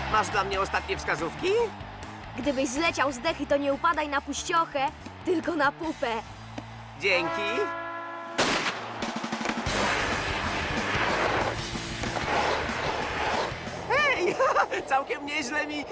Masz dla mnie ostatnie wskazówki? Gdybyś zleciał z dechy, to nie upadaj na puściochę, tylko na pupę. Dzięki. Hej! Całkiem nieźle mi...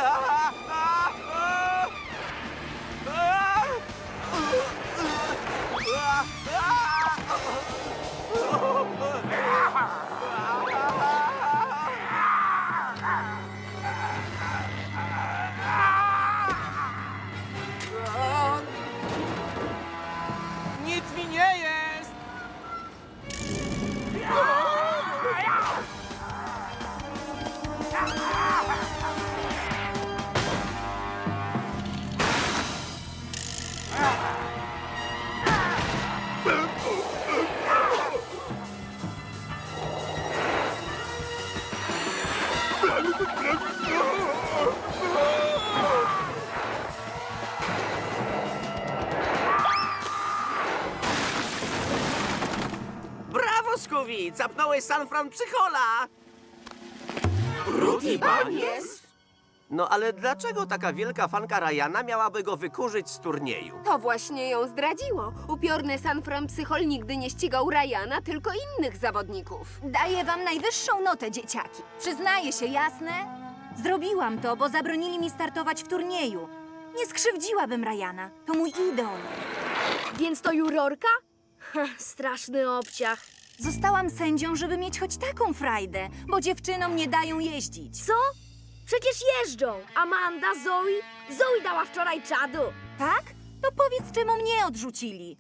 Nic mi nie jest! Brawo, Scooby! Capnąłeś San Fran Psychola! Rudy Banies? No ale dlaczego taka wielka fanka Ryana miałaby go wykurzyć z turnieju? To właśnie ją zdradziło. Upiorny San Fran Psychol nigdy nie ścigał Ryana, tylko innych zawodników. Daję wam najwyższą notę, dzieciaki. Przyznaję się, jasne? Zrobiłam to, bo zabronili mi startować w turnieju. Nie skrzywdziłabym Ryana. To mój idol. Więc to jurorka? Straszny obciach. Zostałam sędzią, żeby mieć choć taką frajdę, bo dziewczynom nie dają jeździć. Co? Przecież jeżdżą. Amanda, Zoe. Zoe dała wczoraj czadu. Tak? To powiedz, czemu mnie odrzucili.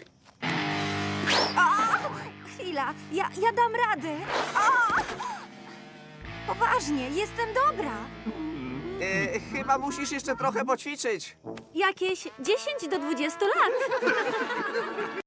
A! Chwila, ja dam radę. A! Poważnie, jestem dobra. Chyba musisz jeszcze trochę poćwiczyć. Jakieś 10 do 20 lat.